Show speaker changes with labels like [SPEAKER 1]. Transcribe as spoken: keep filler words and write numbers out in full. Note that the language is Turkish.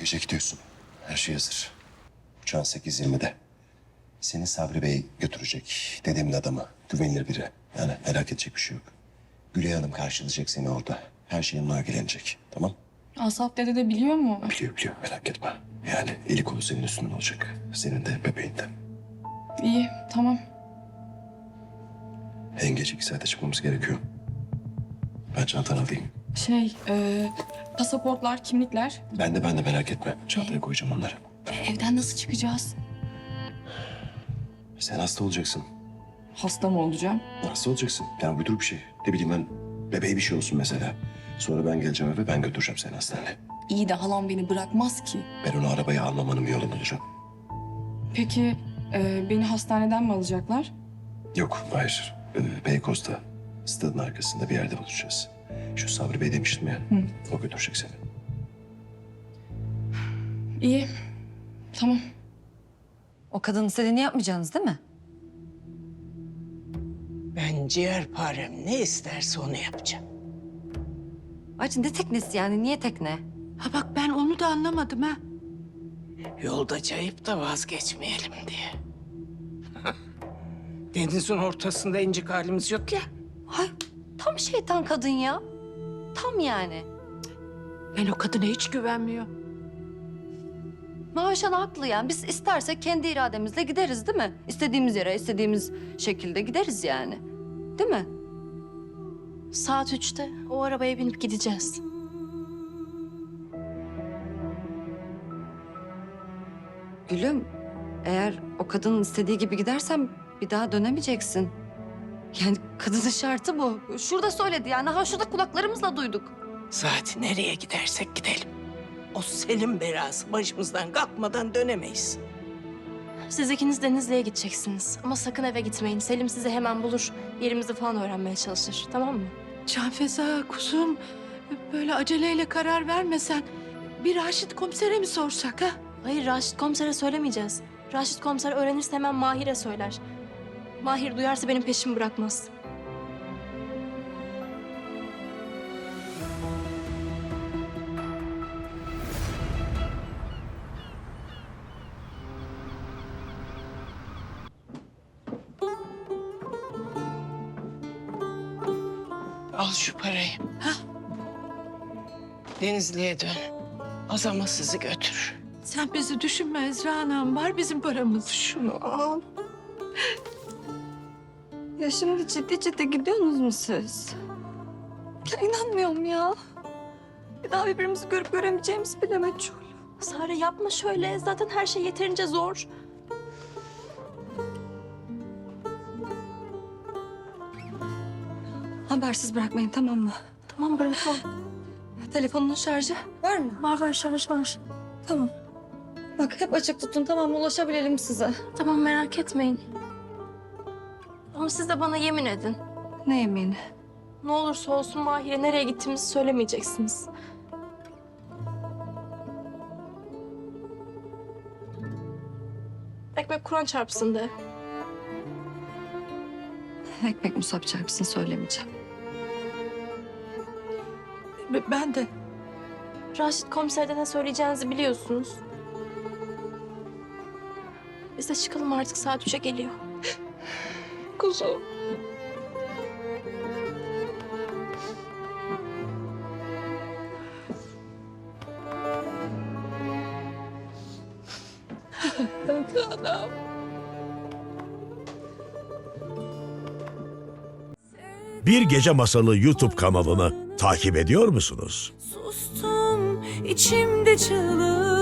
[SPEAKER 1] gece gidiyorsun. Her şey hazır. Uçağın sekiz yirmide. Seni Sabri Bey götürecek. Dedemin adamı. Güvenilir biri. Yani merak edecek bir şey yok. Gülay Hanım karşılayacak seni orada. Her şeyin ilgilenecek. Tamam?
[SPEAKER 2] Asaf dede de biliyor mu?
[SPEAKER 1] Biliyor biliyor merak etme. Yani eli kolu senin üstünden olacak. Senin de bebeğin de.
[SPEAKER 2] İyi, tamam.
[SPEAKER 1] En geç iki saate çıkmamız gerekiyor. Ben çantanı alayım.
[SPEAKER 2] Şey, e, pasaportlar, kimlikler.
[SPEAKER 1] Ben de ben de merak etme. Çantaya koyacağım onları.
[SPEAKER 2] Evden nasıl çıkacağız?
[SPEAKER 1] Sen hasta olacaksın.
[SPEAKER 2] Hasta mı olacağım?
[SPEAKER 1] Hasta olacaksın. Yani uydur bir şey. Ne bileyim ben bebeğe bir şey olsun mesela. Sonra ben geleceğim eve ben götüreceğim seni hastaneye.
[SPEAKER 2] İyi de halam beni bırakmaz ki.
[SPEAKER 1] Ben onu arabaya almamanın bir yolunu bulacağım.
[SPEAKER 2] Peki e, beni hastaneden mi alacaklar?
[SPEAKER 1] Yok hayır. Ee, Beykoz'da stadın arkasında bir yerde buluşacağız. Şu Sabri Bey demiştim ya.
[SPEAKER 2] Hı.
[SPEAKER 1] O götürecek seni.
[SPEAKER 2] İyi, tamam.
[SPEAKER 3] O kadının istediğini yapmayacaksınız değil mi?
[SPEAKER 4] Ben ciğerparem ne isterse onu yapacağım.
[SPEAKER 3] Ayrıca ne teknesi yani? Niye tekne?
[SPEAKER 5] Ha bak ben onu da anlamadım ha.
[SPEAKER 4] Yolda cayıp da vazgeçmeyelim diye. Denizin ortasında incik halimiz yok ya.
[SPEAKER 3] Ay tam şeytan kadın ya. Tam yani.
[SPEAKER 5] Ben o kadına hiç güvenmiyorum.
[SPEAKER 3] Mavişan haklı yani. Biz istersek kendi irademizle gideriz değil mi? İstediğimiz yere, istediğimiz şekilde gideriz yani. Değil mi?
[SPEAKER 6] Saat üçte o arabaya binip gideceğiz.
[SPEAKER 3] Gülüm, eğer o kadının istediği gibi gidersen bir daha dönemeyeceksin. Yani kadının şartı bu. Şurada söyledi yani. Ha şurada kulaklarımızla duyduk.
[SPEAKER 4] Zaten nereye gidersek gidelim. O Selim belası başımızdan kalkmadan dönemeyiz.
[SPEAKER 6] Siz ikiniz Denizli'ye gideceksiniz. Ama sakın eve gitmeyin. Selim sizi hemen bulur. Yerimizi falan öğrenmeye çalışır. Tamam mı?
[SPEAKER 5] Canfeza kuzum böyle aceleyle karar vermesen bir Raşit komisere mi sorsak ha?
[SPEAKER 6] Hayır, Raşit komisere söylemeyeceğiz. Raşit komiser öğrenirse hemen Mahir'e söyler. Mahir duyarsa benim peşimi bırakmaz.
[SPEAKER 4] Al şu parayı. Ha? Denizli'ye dön. O zaman sizi götürür.
[SPEAKER 5] Sen bizi düşünme Ezra Hanım. Var bizim paramız.
[SPEAKER 4] Şunu al.
[SPEAKER 3] Ya şimdi ciddi ciddi gidiyorsunuz mu siz? Ya inanmıyorum ya. Bir daha birbirimizi görüp göremeyeceğimizi bile meçhul.
[SPEAKER 6] Sare yapma şöyle. Zaten her şey yeterince zor.
[SPEAKER 3] Habersiz bırakmayın tamam mı?
[SPEAKER 6] Tamam bırakalım.
[SPEAKER 3] Telefonun şarjı var mı?
[SPEAKER 6] Var var şarj var.
[SPEAKER 3] Tamam. Bak hep açık tutun tamam mı? Ulaşabilelim size.
[SPEAKER 6] Tamam merak etmeyin. Ama siz de bana yemin edin.
[SPEAKER 3] Ne yemini?
[SPEAKER 6] Ne olursa olsun Mahir'e nereye gittiğimizi söylemeyeceksiniz. Ekmek Kur'an çarpsın de.
[SPEAKER 3] Ekmek musab çarpsın söylemeyeceğim.
[SPEAKER 5] B- Ben de.
[SPEAKER 6] Raşit komiserde ne söyleyeceğinizi biliyorsunuz. Biz de çıkalım artık, saat üçe geliyor.
[SPEAKER 4] Kuzum.
[SPEAKER 7] Bir Gece Masalı YouTube kanalını takip ediyor musunuz?
[SPEAKER 8] Sustum içimde çığlık.